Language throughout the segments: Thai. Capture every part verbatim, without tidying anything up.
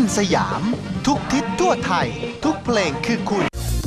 สยามทุกทิศทั่วไทยทุกเพลงคือคุณ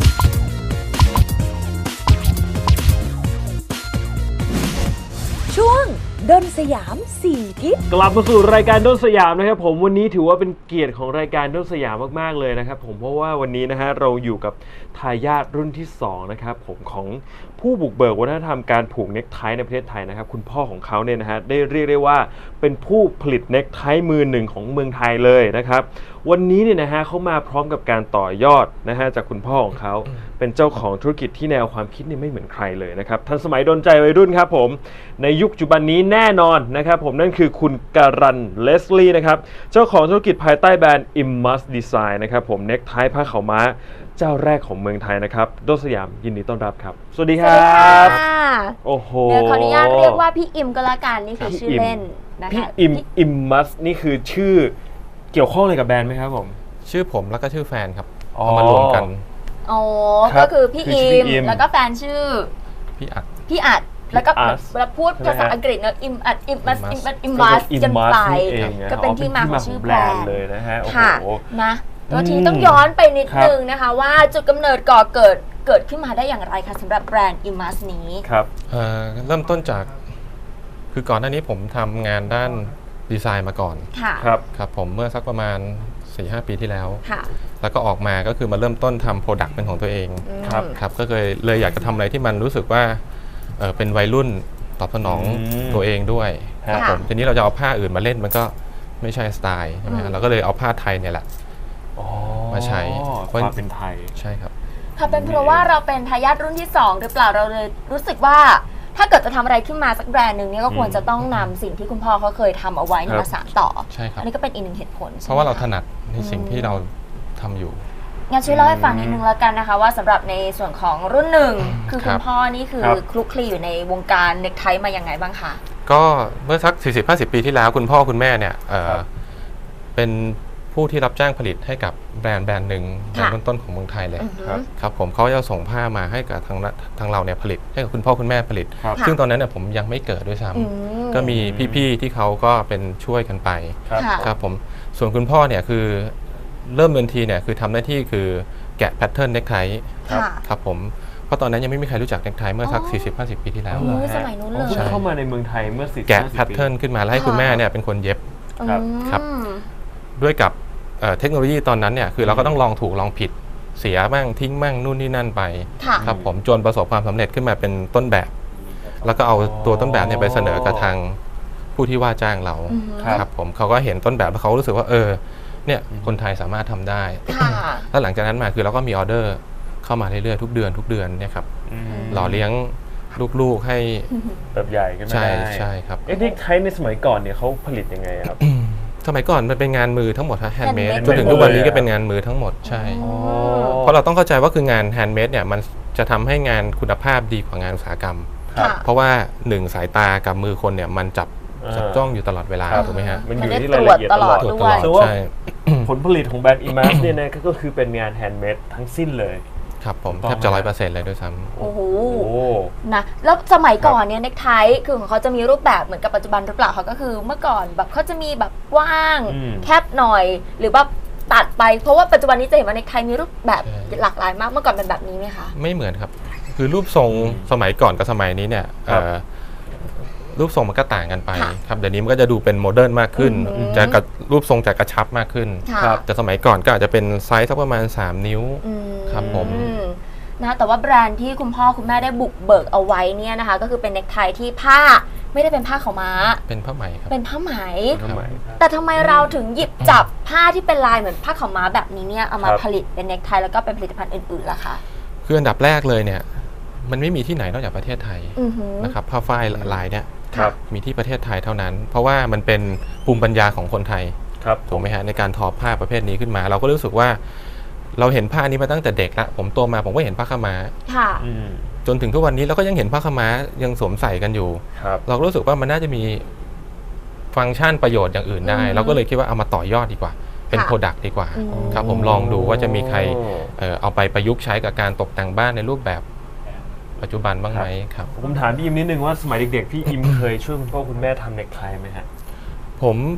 ช่วงดนสยามสี่ทิศกลับมาสู่รายการดนสยามนะครับผมวันนี้ถือว่าเป็นเกียรติของรายการดนสยามมากๆเลยนะครับผมเพราะว่าวันนี้นะฮะเราอยู่กับทายาทรุ่นที่สองนะครับผมของผู้บุกเบิกวัฒนธรรมการผูกเน็กไทในประเทศไทยนะครับคุณพ่อของเขาเนี่ยนะฮะได้เรียกได้ว่าเป็นผู้ผลิตเน็กไทมือหนึ่งของเมืองไทยเลยนะครับวันนี้เนี่ยนะฮะเขามาพร้อมกับการต่อยอดนะฮะจากคุณพ่อของเขาเป็นเจ้าของธุรกิจที่แนวความคิดนี่ไม่เหมือนใครเลยนะครับทันสมัยโดนใจวัยรุ่นครับผมในยุคปัจจุบันนี้แน่นอนนะครับผมนั่นคือคุณการันเลสลี่นะครับเจ้าของธุรกิจภายใต้แบรนด์ Immus Design นะครับผมเน็กไทผ้าขาวม้าเจ้าแรกของเมืองไทยนะครับดนสยามยินดีต้อนรับครับสวัสดีครับโอ้โหเดี๋ยวขออนุญาตเรียกว่าพี่อิมก็แล้วกันนี่คือชื่อเล่นนะคะพี่อิมอิมมัสนี่คือชื่อเกี่ยวข้องอะไรกับแบรนด์ไหมครับผมชื่อผมแล้วก็ชื่อแฟนครับเอามารวมกันอ๋อก็คือพี่อิมแล้วก็แฟนชื่อพี่อัดพี่อัดแล้วก็เราพูดภาษาอังกฤษเนอะอิมอัดอิมมัสอิมมัสอิมมัสกันไปก็เป็นที่มาของชื่อแบรนด์เลยนะฮะโอ้โหนะตัวทีต้องย้อนไปนิดนึงนะคะว่าจุดกำเนิดก่อเกิดเกิดขึ้นมาได้อย่างไรคะสำหรับแบรนด์ Immus นี้ครับเอ่อเริ่มต้นจากคือก่อนหน้านี้ผมทำงานด้านดีไซน์มาก่อนครับครับผมเมื่อสักประมาณ สี่ห้า ปีที่แล้วค่ะแล้วก็ออกมาก็คือมาเริ่มต้นทำโปรดักต์เป็นของตัวเองครับครับก็เลยเลยอยากจะทำอะไรที่มันรู้สึกว่าเออเป็นวัยรุ่นตอบสนองตัวเองด้วยครับผมทีนี้เราจะเอาผ้าอื่นมาเล่นมันก็ไม่ใช่สไตล์ใช่ไหมเราก็เลยเอาผ้าไทยเนี่ยแหละมาใช้ความเป็นไทยใช่ครับค่ะเป็นเพราะว่าเราเป็นทายาทรุ่นที่สองหรือเปล่าเราเลยรู้สึกว่าถ้าเกิดจะทำอะไรขึ้นมาสักแบรนด์หนึ่งเนี่ยก็ควรจะต้องนำสิ่งที่คุณพ่อเขาเคยทำเอาไว้มาสานต่อใช่ครับอันนี้ก็เป็นอีกหนึ่งเหตุผลเพราะว่าเราถนัดในสิ่งที่เราทำอยู่งั้นช่วยเล่าให้ฟังนิดนึงแล้วกันนะคะว่าสำหรับในส่วนของรุ่นหนึ่งคือคุณพ่อนี่คือคลุกคลีอยู่ในวงการเน็กไทมาอย่างไงบ้างคะก็เมื่อสัก สี่สิบห้าสิบ ปีที่แล้วคุณพ่อคุณแม่เนี่ยเป็นผู้ที่รับจ้างผลิตให้กับแบรนด์แบรนด์หนึ่งแบรนด์ต้นๆของเมืองไทยเลยครับผมเขาจะส่งผ้ามาให้กับทางทางเราเนี่ยผลิตให้กับคุณพ่อคุณแม่ผลิตซึ่งตอนนั้นเนี่ยผมยังไม่เกิดด้วยซ้ำก็มีพี่ๆที่เขาก็เป็นช่วยกันไปครับผมส่วนคุณพ่อเนี่ยคือเริ่มเดินทีเนี่ยคือทำหน้าที่คือแกะแพทเทิร์นเน็กไทครับผมเพราะตอนนั้นยังไม่มีใครรู้จักเน็กไทเมื่อสัก สี่สิบห้าสิบ ปีที่แล้วสมัยนู้นเลยเข้ามาในเมืองไทยเมื่อสี่สิบแกะแพทเทิร์นขึ้นมาแล้วให้คุณแม่เนี่ยเป็นคนเย็บครับด้วยกับเทคโนโลยีตอนนั้นเนี่ยคือเราก็ต้องลองถูกลองผิดเสียบ้างทิ้งบ้างนู่นนี่นั่นไปครับผมจนประสบความสำเร็จขึ้นมาเป็นต้นแบบแล้วก็เอาตัวต้นแบบเนี่ยไปเสนอกับทางผู้ที่ว่าจ้างเราครับผมเขาก็เห็นต้นแบบแล้วเขารู้สึกว่าเออเนี่ยคนไทยสามารถทำได้แล้วหลังจากนั้นมาคือเราก็มีออเดอร์เข้ามาเรื่อยๆทุกเดือนทุกเดือนเนี่ยครับหล่อเลี้ยงลูกๆให้แบบใหญ่ขึ้นมาใช่ใช่ครับเอ็กซ์ไทในสมัยก่อนเนี่ยเขาผลิตยังไงครับสมัยก่อนมันเป็นงานมือทั้งหมดฮะแฮนด์เมดจนถึงทุกวันนี้ก็เป็นงานมือทั้งหมดใช่เพราะเราต้องเข้าใจว่าคืองานแฮนด์เมดเนี่ยมันจะทำให้งานคุณภาพดีกว่างานอุตสาหกรรมเพราะว่าหนึ่งสายตากับมือคนเนี่ยมันจับจับจ้องอยู่ตลอดเวลาถูกไหมฮะมันอยู่ที่รายละเอียดตลอดด้วยใช่ผลผลิตของแบรนด์ Immus เนี่ยนะก็คือเป็นงานแฮนด์เมดทั้งสิ้นเลยครับผมแทบจะร้อยเปอร์เซ็นต์เลยด้วยซ้ำโอ้โหนะแล้วสมัยก่อนเนี่ยเน็กไทคือของเขาจะมีรูปแบบเหมือนกับปัจจุบันหรือเปล่าเขาก็คือเมื่อก่อนแบบเขาจะมีแบบกว้างแคบหน่อยหรือว่าตัดไปเพราะว่าปัจจุบันนี้จะเห็นว่าเน็กไทมีรูปแบบหลากหลายมากเมื่อก่อนเป็นแบบนี้ไหมคะไม่เหมือนครับคือรูปทรงสมัยก่อนกับสมัยนี้เนี่ยรูปทรงมันก็ต่างกันไปครับเดี๋ยวนี้มันก็จะดูเป็นโมเดิร์นมากขึ้นจะกับรูปทรงจะกระชับมากขึ้นแต่สมัยก่อนก็อาจจะเป็นไซส์สักประมาณสามนิ้วครับผมนะแต่ว่าแบรนด์ที่คุณพ่อคุณแม่ได้บุกเบิกเอาไว้เนี่ยนะคะก็คือเป็นเน็กไทที่ผ้าไม่ได้เป็นผ้าขาวม้าเป็นผ้าไหมครับเป็นผ้าไหมแต่ทำไมเราถึงหยิบจับผ้าที่เป็นลายเหมือนผ้าขาวม้าแบบนี้เนี่ยเอามาผลิตเป็นเน็กไทแล้วก็เป็นผลิตภัณฑ์อื่นๆล่ะคะคืออันดับแรกเลยเนี่ยมันไม่มีที่ไหนนอกจากประเทศไทยนะครับผ้าฝ้ายลายเนี่ยมีที่ประเทศไทยเท่านั้นเพราะว่ามันเป็นภูมิปัญญาของคนไทยถูกไหมฮะในการทอผ้าประเภทนี้ขึ้นมาเราก็รู้สึกว่าเราเห็นผ้านี้มาตั้งแต่เด็กละผมโตมาผมก็เห็นผ้าขาวม้าจนถึงทุกวันนี้เราก็ยังเห็นผ้าขาวม้ายังสวมใส่กันอยู่เราก็รู้สึกว่ามันน่าจะมีฟังก์ชันประโยชน์อย่างอื่นได้เราก็เลยคิดว่าเอามาต่อยอดดีกว่าเป็นโปรดักต์ดีกว่าครับผมลองดูว่าจะมีใครเอาไปประยุกต์ใช้กับการตกแต่งบ้านในรูปแบบปัจจุบันบ้างไหมครับผมถามพี่อิมนิดนึงว่าสมัยเด็กๆพี่อิมเคยช่วยคุณพ่อคุณแม่ทำเน็กไทไหมฮะผม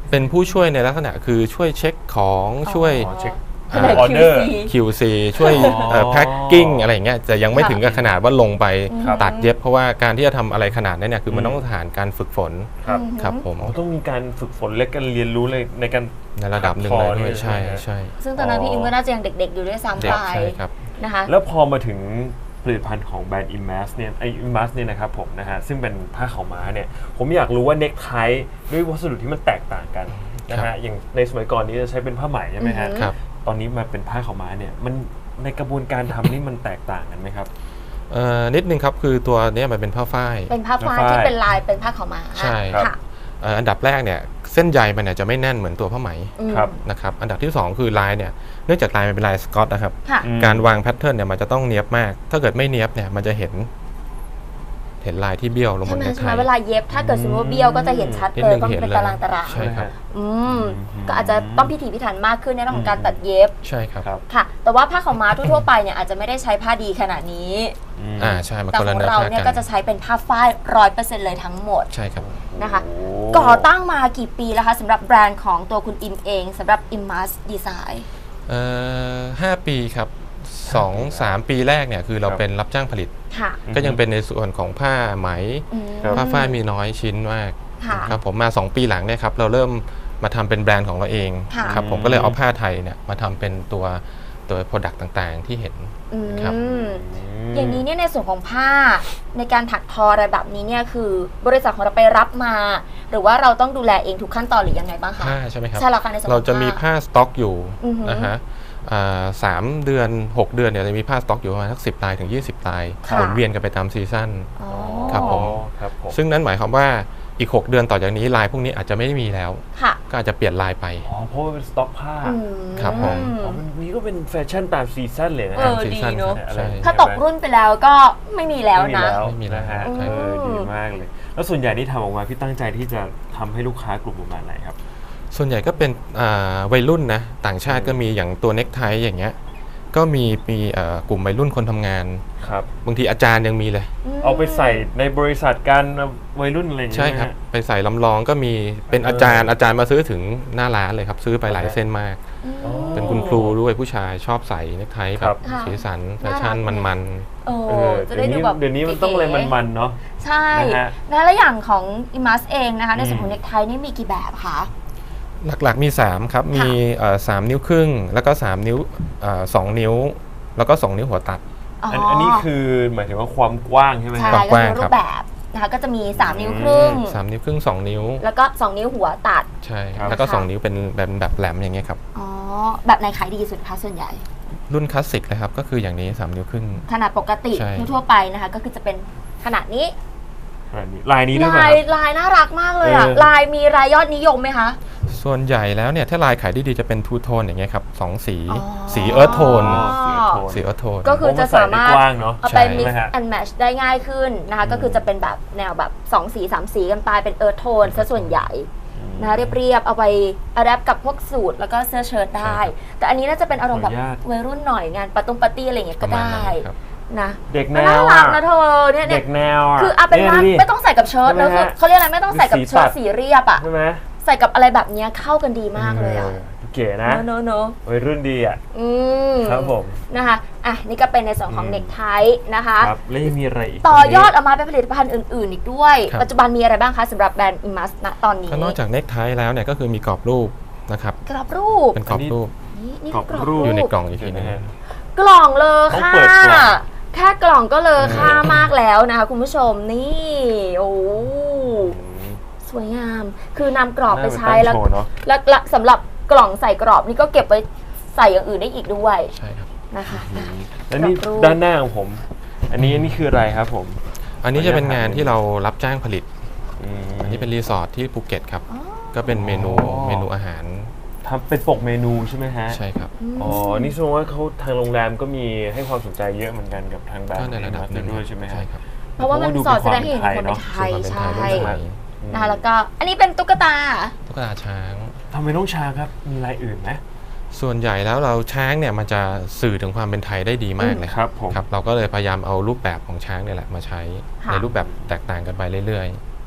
เป็นผู้ช่วยในลักษณะคือช่วยเช็คของช่วยอ๋อเช็คแผนกออเดอร์คิวซีคิว ซี ช่วยแพ็คกิ้งอะไรอย่างเงี้ยจะยังไม่ถึงกับขนาดว่าลงไปครับตัดเย็บเพราะว่าการที่จะทำอะไรขนาดนั้นเนี่ยคือมันต้องผ่านการฝึกฝนครับครับผมอ๋อต้องมีการฝึกฝนและการเรียนรู้เลยในการในระดับหนึ่งเลยถักทอด้วยใช่ไหมใช่ซึ่งตอนนั้นพี่อิมก็น่าจะยังเด็กๆอยู่ด้วยซ้ำเด็ไปกใช่ครับนะคะแล้วพอมาถึงผลิตภัณฑ์ของแบรนด์ Imas เนี่ยไอ Imas เนี่ยนะครับผมนะฮะซึ่งเป็นผ้าขาวม้าเนี่ยผมอยากรู้ว่าเน็กไทด้วยวัสดุที่มันแตกต่างกันนะครัฮะบอย่างในสมัยก่อนนี้จะใช้เป็นผ้าไหมใช่ไหมฮะอือฮึครับตอนนี้มาเป็นผ้าขาวม้าเนี่ยมันในกระบวนการทำนี่มันแตกต่างกันไหมครับเอ่อนิดนึงครับคือตัวเนี้ยมันเป็นผ้าฝ้ายเป็นผ้าฝ้ายผ้าฝ้ายที่เป็นลายเป็นผ้าขาวม้าใช่ค่ะเอ่ออันดับแรกเนี่ยเส้นใยมันเนี่ยจะไม่แน่นเหมือนตัวผ้าไหมอืมครับนะครับอันดับที่สองคือลายเนี่ยเนื่องจากลายมันเป็นลายสกอตนะครับค่ะอืมการวางแพทเทิร์นเนี่ยมันจะต้องเนียบมาก ถ้าเกิดไม่เนียบเนี่ยมันจะเห็น เห็นลายที่เบี้ยวลงบใช่นไหมเน็กใช่ไทไหมเวลาเย็บถ้าเกิดสมมติว่าเบี้ยวก็จะเห็นชัดนิดเลยนึงก็เห็นเป็นเลยตารางตารางใช่ครับอืมอืมก็อาจจะต้องพิถีพิถันมากขึ้นในเรื่องของการตัดเย็บใช่ครับครับค่ะ แต่ว่าผ้าขาวม้าทั่วๆไปเนี่ยอาจจะไม่ได้ใช้ผ้าดีขนาดนี้มอ่าใช่มันแต่คนขละองเนื้อเราผ้าเนี่ยกัก็นจะใช้เป็นผ้าฝ้ายร้อยเปอร์เซ็นต์เลยทั้งหมดใช่ครับนะคะโอ้ก่อตั้งมากี่ปีแล้วคะสำหรับแบรนด์ของตัวคุณอิมเองสำหรับ Imas Design เอ่อห้าปีครับสองสามปีแรกเนี่ยคือเราครับเป็นรับจ้างผลิตค่ะก็ยังเป็นในส่วนของผ้าไหมอืมครับผ้าฝ้ายมีน้อยชิ้นมากค่ะครับผมมาสองปีหลังเนี่ยครับเราเริ่มมาทำเป็นแบรนด์ของเราเองค่ะครับผมก็เลยเอาผ้าไทยเนี่ยมาทำเป็นตัวตัวโปรดักต์ต่างๆ ที่เห็นอืมครับอย่างนี้เนี่ยในส่วนของผ้าในการถักทออะไรแบบนี้เนี่ยคือบริษัทของเราไปรับมา หรือว่าเราต้องดูแลเองทุกขั้นตอนหรือยังไงบ้างคะผ้าใช่ไหมครับใช่แล้วค่ะในส่วนของเราจะมีผ้าสต็อกอยู่อือหือนะฮะอ่าสามเดือนหกเดือนเนี่ยจะมีผ้าสต็อกอยู่ประมาณสักสิบลายถึงยี่สิบลายค่ะหมุนเวียนกันไปตามซีซั่นอ๋อครับผมครับผมซึ่งนั่นหมายความว่าอีกหกเดือนต่อจากนี้ลายพวกนี้อาจจะไม่ได้มีแล้วค่ะก็อาจจะเปลี่ยนลายไปอ๋อเพราะว่าเป็นสต็อกผ้าอืมครับผมอ๋อมันนี้ก็เป็นแฟชั่นตามซีซั่นเลยนะเอฮะอ ดีเนอะอะไรใช่อย่งเงี้ยถ้าตกรุ่นไปแล้วก็ไม่มีแล้วนะไม่มีแล้วนะฮะอืมเออดีมากเลย แล้วส่วนใหญ่ที่ทำออกมาพี่ตั้งใจที่จะทำให้ลูกค้ากลุ่มประมาณไหนครับส่วนใหญ่ก็เป็นอ่าวัยรุ่นนะต่างชาติก็มีอย่างตัวเน็กไทอย่างเงี้ยก็มีมีเอ่อกลุ่มวัยรุ่นคนทำงานครับบางทีอาจารย์ยังมีเลยเอาไปใส่ในบริษัทการวัยรุ่นอะไรอย่างเงี้ยใช่ครับนะฮะไปใส่ลำลองก็มีเป็นอาจารย์อาจารย์มาซื้อถึงหน้าร้านเลยครับ ซื้อไปหลายเส้นมากอ๋อเป็นคุณครูด้วยผู้ชายชอบใส่เน็กไทแบครับ บค่ะสีสันแฟชั่นน่ารักมันโอ้เออจะเดี๋ได้ยวดูนี้แบบเดี๋ยวนี้มันต้องอะไรมันๆเนาะใช่นะฮะนะแล้วอย่างของ Imas เองนะคะในส่วนขออืงมเน็กไทนี่มีกี่แบบคะๆหลักๆมีสามครับมีเอ่อสามนิ้วครึ่ง แล้วก็สามนิ้วเอ่อสองนิ้ว แล้วก็สองนิ้วหัวตัดอันอันนี้คือหมายถึงว่าความกว้างใช่ไหมใช่ฮะความกว้างก็คือรูครับปแบบนะคะก็จะมีสามนิ้วครึ่งสามนิ้วครึ่งสองนิ้วแล้วก็สองนิ้วหัวตัดใช่ครับแล้วก็ค่ะสองนิ้วเป็นแบบแบบแหลมอย่างเงี้ยครับอ๋อ แบบไหนขายดีสุดคะส่วนใหญ่รุ่นคลาสสิกเลยครับก็คืออย่างนี้สามนิ้วครึ่งขนาดปกติใช่ทั่วๆไปนะคะ ก็คือจะเป็นขนาดนี้อันนี้ลายนี้ด้วยไหมลาคยรับลายน่ารักมากเลยอ่ะเออลายมีรายยอดนิยมไหมคะส่วนใหญ่แล้วเนี่ยถ้าลายขายดีๆจะเป็นทูโทนอย่างเงี้ยครับสองสีอ๋อสีเอิร์ธโทนอ๋อสีโทนสีเอิร์ธโทนก็คือจะสามารถโอ้นใส่ได้กว้างเนาะเอาไปใช่ mix นะฮะ and match ได้ง่ายขึ้นนะคะ ก็คือจะเป็นแบบแนวแบบสองสีสามสีกันไปเป็นเอิร์ธโทนซะส่วนใหญ่นะคะเรียบๆเอาไปอัดแอปกับพวกสูทแล้วก็เสื้อเชิ้ตได้ แต่อันนี้น่าจะเป็นอารมณ์แบบขออนุญาตวัยรุ่นหน่อยงานปาตุ้งปาร์ตี้อะไรอย่างเงี้ยปก็ระมาณได้นั้นครับนะเด็กแนน่าว รัอ่ะกนะเธอเนี่ยเนี่เด็ยกแนวอ่ะคือเอาเป็นว่านี่ยไม่ต้องใส่กับเชิ้ตใช่ไหมแล้วคือฮะเขาเรียกอะไรไม่ต้องใส่กับสีเชิ้ตัตดสีเรียบอ่ะใช่ไหมใส่กับอะไรแบบเนี้ยเข้ากันดีมากเลยอ่ะออเก๋นะเนอะเนอะวัยรุ่นดีอ่ะอืมครับผมนะคะอ่ะนี่ก็เป็นในส่วนของอืมเน็กไทนะคะครับแล้วยังมีอะไรอีกต่อยอดออกมาเป็นผลิตภัณฑ์อื่น ๆ อีกด้วยครับปัจจุบันมีอะไรบ้างคะสำหรับแบรนด์ Imas ณตอนนี้ก็นอกจากเน็กไทแล้วเนี่ยก็คือมีกรอบรูปนะครับกรอบรูปเป็นกรอบรูปนี่นี่กรอบกรอบรูรูปปอยู่ในกล่องอีกทีเห็นไหมนึงฮะกล่องเลอต้องค่ะเปิดกล่องแค่กล่องก็เลอค่ามากแล้วนะคะคุณผู้ชมนี่โอ้สวยงาม คือนำกรอบไปใช้แล้วน่าไปตั้งโชว์เนอะแล้วแล้วสำหรับกล่องใส่กรอบนี่ก็เก็บไว้ใส่อย่างอื่นได้อีกด้วยใช่ครับนะคะแล้วนี่กรอบรูปด้านหน้าของผม อันนี้นี่คืออะไรครับผมอันนี้จะเป็นงานที่เรารับจ้างผลิตมอันนี้เป็นรีสอร์ทที่ภูเก็ตครับอ๋อก็เป็นเมนูอ๋อเมนูอาหารทำเป็นปกเมนูใช่ไหมฮะใช่ครับอ๋อ นี่แสดงว่าเขาทางโรงแรมก็มีให้ความสนใจเยอะเหมือนกันกับทางแบรนก็ด์ในระดับหนึ่งด้วยใช่ไหมฮะใช่ครับเพราะว่ามันดูสอดแสเป็ดงให้เห็นถึงความเป็นไทยส่วนใช่ความเป็นไทยรุ่นใหม่นะคะแล้วก็อันนี้เป็นตุ๊กตาตุ๊กตาช้างทำไมต้องช้างครับ มีลายอื่นไหมส่วนใหญ่แล้วเราช้างเนี่ยมันจะสื่อถึงความเป็นไทยได้ดีมากเลยครับผมครับเราก็เลยพยายามเอารูปแบบของช้างเนี่ยแหละมาใช้ค่ะในรูปแบบแตกต่างกันไปเรื่อยโ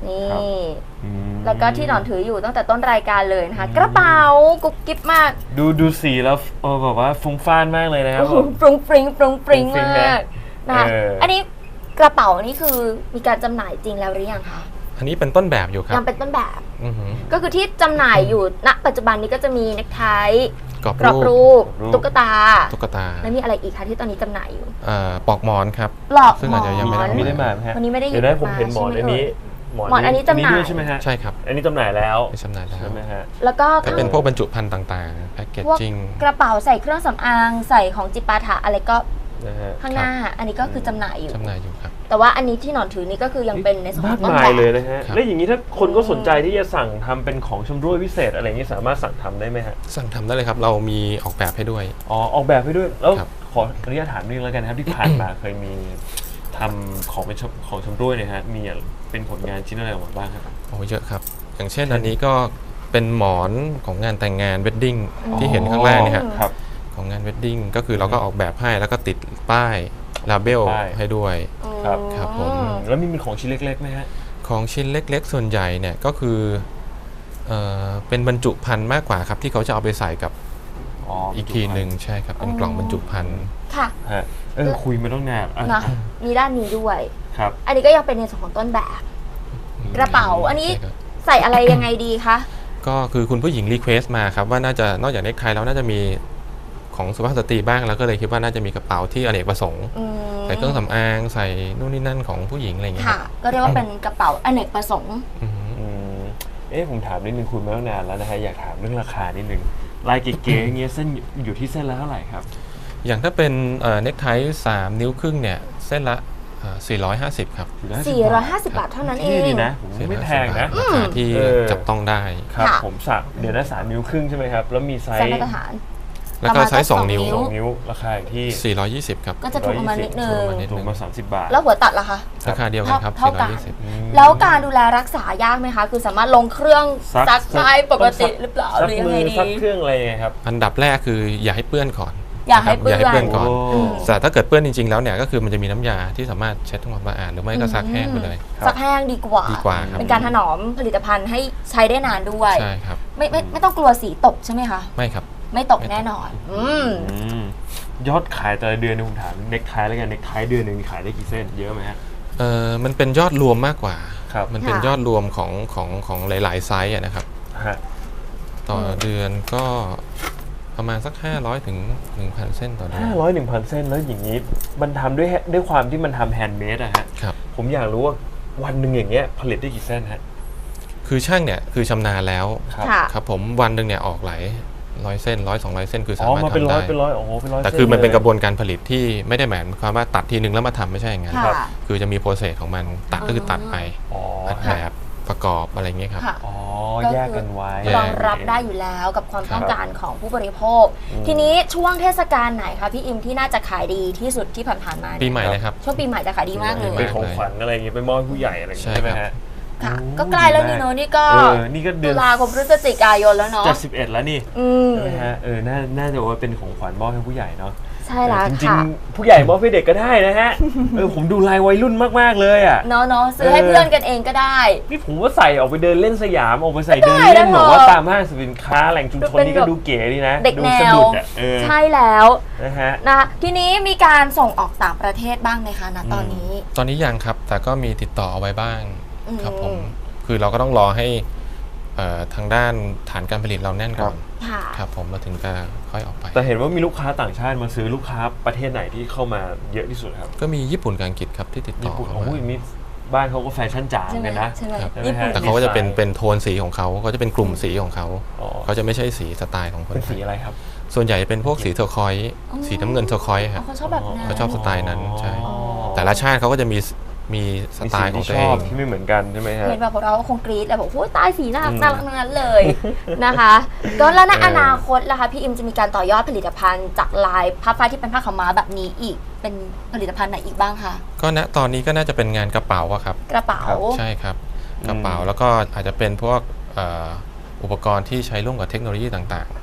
นี่อืมแล้วก็ที่หนอนถืออยู่ตั้งแต่ต้นรายการเลยนะคะ กระเป๋ากุ๊บกิ๊บมากดูดูสีแล้วเออแบบว่าฟุ้งฟ่านมากเลยนะครับโอ้โหฟรุ้งฟริ้งฟรุ้งฟริ้งฟรุ้งฟริ้งมากนะคะเอออัอันนี้กระเป๋านี่คือมีการจำหน่ายจริงแล้วหรือยังคะอันนี้เป็นต้นแบบอยู่ครัยับงเป็นต้นแบบอือหือก็คือที่จำหน่ายอยู่ณปัจจุบันนี้ก็จะมีเน็กไทกรอบกรอบรูปรูปตุ๊กตาตุ๊กตาแล้วมีอะไรอีกคะที่ตอนนี้จำหน่ายอยู่เอ่อปลอกหมอนครับปลอกซึ่งอาจจะยังไม่ได้หมอนไม่ได้มาไหมฮะวันนี้ไม่ได้หยิบเดี๋ยวได้ผมเห็นหมอนมาใช่อันไหมนี้หมอนอันนี้จำหน่ายด้วยใช่ไหมฮะใช่ครับอันนี้จำหน่ายแล้วเป็นจำหน่ายแล้วใช่ไหมฮะแล้วก็จะเป็นพวกบรรจุภัณฑ์ต่างๆแพ็กเกจพวกจิ้งกระเป๋าใส่เครื่องสำอางใส่ของจิปาถะอะไรก็นะฮะข้างหน้า อันนี้ก็คือจำหน่ายอยู่จำหน่ายอยู่ครับแต่ว่าอันนี้ที่หนอนถือนี่ก็คือยังเป็นในส่วนขมาอก งต้นมาแบยเลยบนะฮะครับแล้วอย่างนี้ถ้าคนก็สนใจที่จะสั่งทำเป็นของชำร่วยพิเศษอะไรอย่างนี้สามารถสั่งทำได้ไหมฮะสั่งทำได้เลยครับ เรามีออกแบบให้ด้วยอ๋อออกแบบให้ด้วยแล้วครับขออนุญาตถามนิดนึงแล้วกันนะครับที่ผ่านมา เคยมีทำของเป็นชำของชำร่วยเนี่ยฮะมีเป็นผลงานชิ้นอะไรออกมาบ้างครับโอ้เยอะครับ อย่างเช่นอันนี้ก็เป็นหมอนของงานแต่งงานเวดดิ้งที่เห็นข้างล่างเนี่ยฮะครับของงานเวดดิ้งก็คือเราก็ออกแบบให้แล้วก็ติดป้ายลาเบลป้ายให้ด้วยครับครับผมอืมแล้วมีเป็นของชิ้นเล็กๆไหมฮะของชิ้นเล็กๆ ส่วนใหญ่เนี่ยก็คือเอ่อเป็นบรรจุภัณฑ์มากกว่าครับที่เขาจะเอาไปใส่กับอ๋ออีกทีหนึ่งใช่ครับเป็นกล่องบรรจุภัณฑ์ค่ะฮะเออคุยมาต้องนานอ่ะนะมีด้านนี้ด้วยครับอันนี้ก็ยังเป็นในส่วนของต้นแบบ กระเป๋าอันนี้ใช่ครับใส่อะไรยังไงดีคะก็คือคุณผู้หญิงรีเควสต์มาครับว่าน่าจะนอกจากเนคไทแล้วน่าจะมีของสุภาพสตรีบ้างแล้วก็เลยคิดว่าน่าจะมีกระเป๋าที่อเนกประสงค์อืมใส่เครื่องสำอางใส่นู่นนี่นั่นของผู้หญิงอะไรอย่างเงี้ยค่ะ ก็เรียกว่าเป็นกระเป๋าอเนกประสงค์อือหืออืมเอ๊ะผมถามนิดนึงคุยมาตั้งนานแล้วนะฮะอยากถามเรื่องราคานิดนึงลายเก๋ๆอย่างเงี้ยเส้นอยู่ที่เส้นละเท่าไหร่ครับอย่างถ้าเป็นเนคไทสามนิ้วครึ่งเนี่ยเส้นละเอ่อสี่ร้อยห้าสิบครับสี่ร้อยห้าสิบบาทเท่านั้นเอที่งดีนะผมว่าไม่แพงนะราคาที่เออจับต้องได้ครับค่ะผมสักเดี๋ยวนะสามนิ้วครึ่งใช่ไหมครับ แล้วมีไซใส่ส์มาตรฐานแล้วก็ประมาณไซส์สองสองนิ้นิ้ววสองนิ้วราคาอยู่ที่สี่ร้อยยี่สิบครับก็จะถูกประมาณนิดนึงถูกประมาณนิดถูกมาสามสิบบาทแล้วหัวตัดล่ะคะราคาเดียวกันครับเท่ากันสี่ร้อยยี่สิบอืมแล้วการดูแลรักษายากไหมคะ คือสามารถลงเครื่องซักซักได้ปกติซักหรือเปล่าซัหกรือยังมืไงอดีซักเครื่องอะไรไงครับอันดับแรกคืออย่าให้เปื้อนก่อนอย่าให้เปื้อนอย่าให้เปื้อนก่อนโอ้แต่ถ้าเกิดเปื้อนจริงๆแล้วเนี่ยก็คือมันจะมีน้ำยาที่สามารถเช็ดทำความสะอาดหรือไม่ก็ซักแห้งไปเลยครับซักแห้งดีกว่าดีกว่าครับเป็นการถนอมผลิตภัณฑ์ให้ใช้ได้นานด้วยใช่ครับไม่ไม่ไม่ต้องกลัวสีตกใช่ไหมคะไม่ครับไม่ตกแน่นอน อืมอืมยอดขายแต่ละเดือนเนี่ยผมถามเน็กไทแล้วกันเน็กไทเดือนหนึ่งขายได้กี่เส้นเยอะไหมฮะเออมันเป็นยอดรวมมากกว่าครับมันเป็นค่ะยอดรวมของของของหลาย ๆ ไซส์อะนะครับฮะต่อเดือนก็ประมาณสักห้าร้อยถึงหนึ่งพันเส้นต่อเดือนห้าร้อยหนึ่งพันเส้นแล้วอย่างนี้มันทำด้วยด้วยความที่มันทำแฮนด์เมดอะฮะครับผมอยากรู้ว่าวันหนึ่งอย่างเงี้ยผลิตได้กี่เส้นฮะคือช่างเนี่ยคือชำนาญแล้วครับค่ะครับผมวันหนึ่งเนี่ยออกหลายร้อยเส้นร้อยสองร้อยเส้นคืออ๋สาอมารถมาเป็นทำร้อได้ยเป็นร้อยโอ้โหเป็นร้อยแต่คือมันเป็นกระบส้วนการผลิตที่ไม่ได้หมายความว่าตัดทีนึงแล้วมาทำไม่ใช่อย่างนั้นค่ะคือจะมีโปรเซสของมันตัดก็คือตัดไปอ๋ออัดแบบประกอบอะไรเงี้ยครับค่ะอ๋อก็คือแยกกันไว้แยกรองรับได้อยู่แล้วกับความครับต้องการของผู้บริโภคอืมทีนี้ช่วงเทศกาลไหนคะพี่อิมที่น่าจะขายดีที่สุดที่ผ่านๆมาเนี่ยปีใหม่เลยครับช่วงปีใหม่จะขายดีมากเลยเป็นของขวัญอะไรอย่างเงี้ยไปมอบให้ผู้ใหญ่อะไรอย่างเงี้ยใช่ใช่ไหมครัฮะบค่ะโอ้ก็ใกล้แล้วนี่ดีเนมากอะนี่ก็เออนี่ก็เดืตุอนลาคมพฤศจิกายนแล้วเนาะจะสิบเอ็ดแล้วนี่อืมใช่ไหมฮะเออน่าน่าจะว่าเป็นของขวัญมอบให้ผู้ใหญ่เนาะใช่แล้วจริงค่ะๆผู้ใหญ่มอบให้เด็กก็ได้นะฮะ เออผมดูลายวัยรุ่นมากๆเลยอ่ะเนาะเนาะซื้อให้เออเพื่อนกันเองก็ได้นี่ผมว่าใส่ออกไปเดินเล่นสยามออกไปใส่เดินได้เล่นนะแบบว่าเธอตามห้างสรรพสินค้าแหล่งชุมชนนี่ก็ดูเก๋ดีนะเด็กดูแนสะวดุดอ่ะเออใช่แล้วนะฮะนะคะทีนี้มีการส่งออกต่างประเทศบ้างไหมคะณตอนนี้ตอนนี้ยังครับ แต่ก็มีติดต่อเอาไว้บ้างอืมครับผม คือเราก็ต้องรอให้เอ่อทางด้านฐานการผลิตเราแน่นก่อนค่ะครับผมเราถึงจะค่อยออกไปแต่เห็นว่ามีลูกค้าต่างชาติมาซื้อลูกค้าประเทศไหนที่เข้ามาเยอะที่สุดครับก็มีญี่ปุ่นกับอังกฤษครับที่ติดต่ญี่อปุ่นเข้าโอ้มายมีบ้านเขาก็แฟชั่นจ๋าใช่ไหมกันนะใช่ไหมครับญี่ปุ่นแต่เขาก็จะเป็นเป็นโทนสีของเขาก็จะเป็นกลุ่มสีของเขาอ๋อเขาจะไม่ใช่สีสไตล์ของคนเป็นไทสียอะไรครับส่วนใหญ่จะเป็นพวกสีเทอร์คอยส์อ๋อสีน้ำเงินเทอร์คอยส์อ๋คอรับเขาชอบแบบนั้นเขาชอบสไตล์นั้นใช่อ๋อแต่ละชาติเขาก็จะมีมีสมีไตสีล์ของที่ตัวชเออบงที่ไม่เหมือนกันใช่ไหมฮะเห็นแบบพวกเราก็คงกรี๊ดแหละบอกโอ้ยตายสีน่ารักอืมน่ารักทั้งนั้นเลย นะคะก็แล้วในเอออนาคตล่ะคะพี่อิมจะมีการต่อยอดผลิตภัณฑ์จากลายผ้าฝ้ายที่เป็นผ้าขาวม้าแบบนี้อีกเป็นผลิตภัณฑ์ไหนอีกบ้างคะก็ณตอนนี้ก็น่าจะเป็นงานกระเป๋าอะครับกระเป๋าใช่ครับกระเป๋าแล้วก็อาจจะเป็นพวกเอ่ออุปกรณ์ที่ใช้ร่วมกับเทคโนโลยีต่างๆ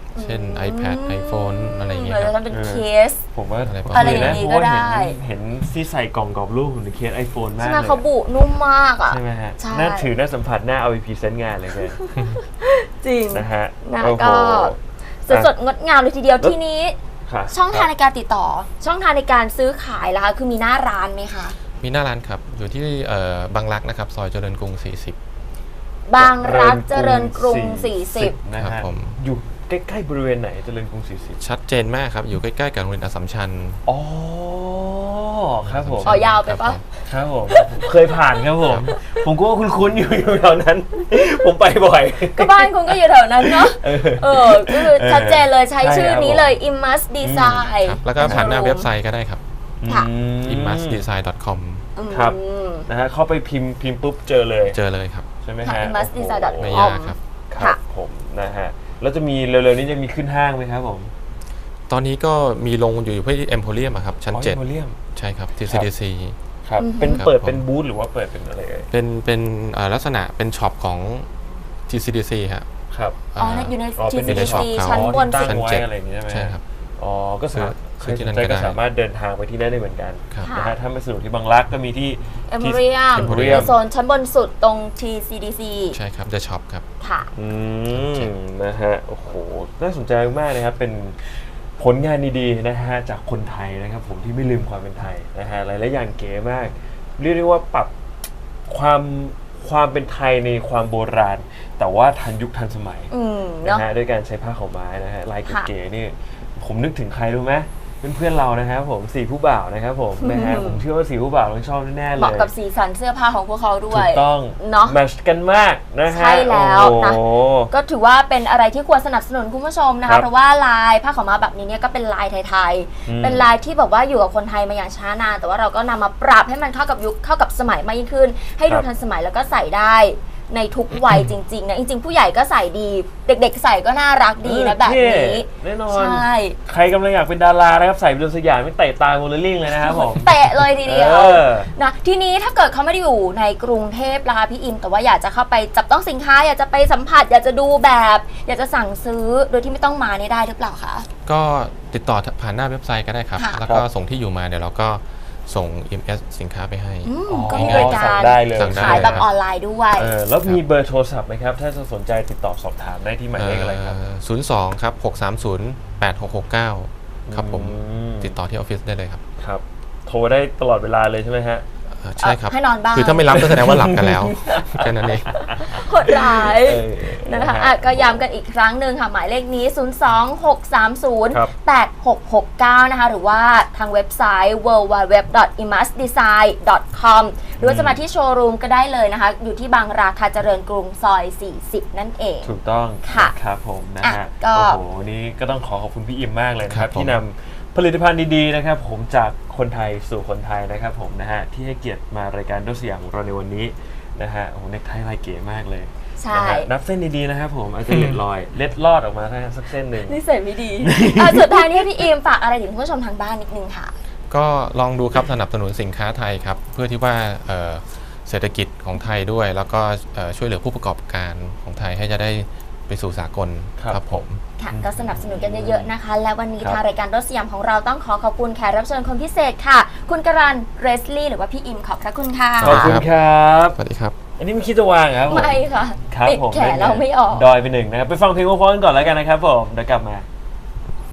เช่น iPad iPhone อะไรอย่างเงี้ยหรือคจะรับทำเป็นเคสผมว่าอะไรประมาณอะไรอย่างนี้ก็ได้เห็นเห็นที่ใส่กล่องกรอบรูปของเคสไอโฟนมากใช่เลไหมยเขาบุนุ่มมากอ่ะใช่ไหมฮะใช่น่าถือน่าสัมผัสน่าเอาไปพรีเซนต์งานเลยแกจริงนะฮะนะโอ้โหก็สดสดงดงามเลยทีเดียวทีนี้ค่ะช่องทางในการติดต่อ ช่องทางในการซื้อขายล่ะคะคือมีหน้าร้านไหมคะมีหน้าร้านครับ อยู่ที่เอ่อบางรักนะครับ ซอยเจริญกรุง สี่สิบบางรักเจริญกรุง สี่สิบนะครัฮะบผมอยู่ใกล้ๆบริเวณไหนเจริญกรุงสี่สิบชัดเจนมากครับ อยู่ใกล้ๆกับโรงเรียนอัสสัมชัญอ๋อครับผมอ๋อยาวไปปะครับผมเคยผ่านครับผม ผมก็ว่าคุ้นๆอยู่อยู่แถวนั้น ผมไปบ่อยก็บ้านคุณก็อยู่แถวนั้นเนาะเออเออก็คือชัดเจนเลยใช้ใช่ชื่อครับนี้เลย Imus Design ครับแล้วก็ผ่านหน้าเว็บไซต์ก็ได้ครับค่ะอืมอิมมัสดีไซน์ ดอท คอมครับอืมนะฮะเข้าไปพิมพ์พิมพ์ปุ๊บเจอเลยเจอเลยครับใช่ไหมค่ะฮะ imus design โอ้โหไม่ยากครับครับผมนะฮะแล้วจะมีเร็วๆนี้จะมีขึ้นห้างไหมครับผมตอนนี้ก็มีลงอยู่ที่เอ็มโพเรียมครับ ชั้นอ๋อเจ็ด Emporium ใช่ครับที่ ซี ดี ซีครับอือฮึเป็นครับเปิดผมเป็นบูธหรือว่าเปิดเป็นอะไรเอ่ยเป็นเป็นเอ่อลักษณะเป็นช็อปของ ที ซี ดี ซี ครับครับอ๋ออยู่ในอ๋อเป็นทีในช็อปซีเขาชั้นบนตั้สุงดไว้เจ็ดอะไรอย่างนี้ใช่ไหมใช่ครับอ๋อก็สามารถซื้อที่นั่นใครก็ก็ได้สามารถเดินทางไปที่นั่นได้เหมือนกันครับนะฮะถ้าไม่สะดวกที่บางรักก็มีที่เอ็มโพเรียม Emporium ในโซนชั้นบนสุดตรง ที ซี ดี ซีใช่ครับ The Shop ครับค่ะอืมนะฮะโอ้โหน่าสนใจมากนะครับเป็นผลงานดีๆนะฮะจากคนไทยนะครับผมที่ไม่ลืมความเป็นไทยนะฮะหลายๆอย่างเก๋มาก เรียกได้ว่าปรับความความเป็นไทยในความโบราณ แต่ว่าทันยุคทันสมัยอืมนะเนาะฮะด้วยการใช้ผ้าขาวม้านะฮะลายค่ะเก๋ๆนี่ผมนึกถึงใครรู้ไหมเพื่อนๆเรานะครับผมสี่ผู้บ่าวนะครับผมนะฮะผมเชื่อว่าสี่ผู้บ่าวต้องชอบแน่ๆเลเหมาะยกับสีสันเสื้อผ้าของพวกเขาด้วถูยกต้องเนาะแมทช์กันมากนะฮะใช่แล้วโอ้นะโหก็ถือว่าเป็นอะไรที่ควรสนับสนุนคุณผู้ชมนะครัคะบเพราะว่าลายผ้าขาวม้าแบบนี้เนี่ยก็เป็นลายไทยอืมๆ เป็นลายที่แบบว่าอยู่กับคนไทยมาอย่างช้านานแต่ว่าเราก็นำมาปรับให้มันเข้ากับยุคเข้ากับสมัยมากยิ่งขึ้น ให้ดูครับทันสมัยแล้วก็ใส่ได้ในทุกวัยจริงๆนะจริงๆ ผู้ใหญ่ก็ใส่ดี เด็กๆ ใส่ก็น่ารักดีนะแบบนี้แน่นอนใช่ใครกำลังอยากเป็นดารานะครับใส่เป็นสยามไม่เตะตาโมเลลิ่งเลยนะครับผมเตะเลยทีเดียวเออนะทีนี้ถ้าเกิดเขาไม่ได้อยู่ในกรุงเทพล่ะคะพี่อิมแต่ว่าอยากจะเข้าไปจับต้องสินค้า อยากจะไปสัมผัส อยากจะดูแบบ อยากจะสั่งซื้อโดยที่ไม่ต้องมาเนี่ยได้หรือเปล่าคะก็ติดต่อผ่านหน้าเว็บไซต์ก็ได้ครับค่ะแล้วก็ส่งที่อยู่มาเดี๋ยวเราก็ส่ง อี เอ็ม เอส สินค้าไปให้อืมอ๋อก็มีบริกาสั่รงได้เลยสั่งได้ขายแบบออนไลน์ด้วยเออแล้วมีเบอร์โทรศัพท์ไหมครับ ถ้าจะสนใจติดต่อสอบถามได้ที่หมายเลขอะไรครับศูนย์สองครับหกสามศูนย์แปดหกหกเก้าครับผมอืมติดต่อที่ออฟฟิศได้เลยครับครับ โทรได้ตลอดเวลาเลยใช่ไหมฮะเอ่อใช่ครับให้นอนบ้างคือถ้าไม่รับก็แสดงว่าหลับกันแล้ว แค่นั้นเองโหดร้ายเออนะคะอ่ะก็ย้ำกันอีกครั้งหนึ่งค่ะ หมายเลขนี้ ศูนย์ สอง หก สาม ศูนย์ครับแปด หก หก เก้า นะคะ หรือว่าทางเว็บไซต์ ดับเบิลยู ดับเบิลยู ดับเบิลยู ดอท อิมัสดีไซน์ ดอท คอม หรือว่าจะมาที่โชว์รูมก็ได้เลยนะคะ อยู่ที่บางราคาเจริญกรุงซอย สี่สิบ นั่นเองถูกต้องค่ะครับผมนะอ่ะฮะก็โอ้โหวันนี้ก็ต้องขอขอบคุณพี่อิมมากเลยนะคครัรับบผมที่นำผลิตภัณฑ์ดีๆนะครับผมจากคนไทยสู่คนไทยนะครับผมนะฮะที่ให้เกียรติมารายการด้วยสยามของเราในวันนี้นะฮะโอ้โหเน็กไทลายเก๋มากเลยใช่นะฮะนับเส้นดีๆนะครับผมอาจจะเล็ดลอย เล็ดลอดออกมาสักเส้นหนึ่งนิสัยไม่ดี อ่ะสุดท้ายนี้ให้พี่อิมฝากอะไรถึงคุณผู้ชมทางบ้านนิดนึงค่ะก็ลองดูครับสนับสนุนสินค้าไทยครับ เพื่อที่ว่าเอ่อเศรษฐกิจของไทยด้วย แล้วก็เอ่อช่วยเหลือผู้ประกอบการของไทยให้จะได้ไปสู่สากลครับครับผมค่ะก็สนับสนุนกันเยอะๆนะคะ และวันนี้ครับทางรายการรถสยามของเราต้องขอขอบคุณแขกรับเชิญคนพิเศษค่ะ คุณกรันเรสลี่หรือว่าพี่อิมขอบพระคุณค่ะขอบคุณครับสวัสดีครับอันนี้ไม่คิดจะวางเหรอครับผมไม่ค่ะครับติดผมแขนเราไม่ออกดอยไปหนึ่งนะครับไปฟังเพลงเพราะๆกันก่อนแล้วกันนะครับผมเดี๋ยวกลับมา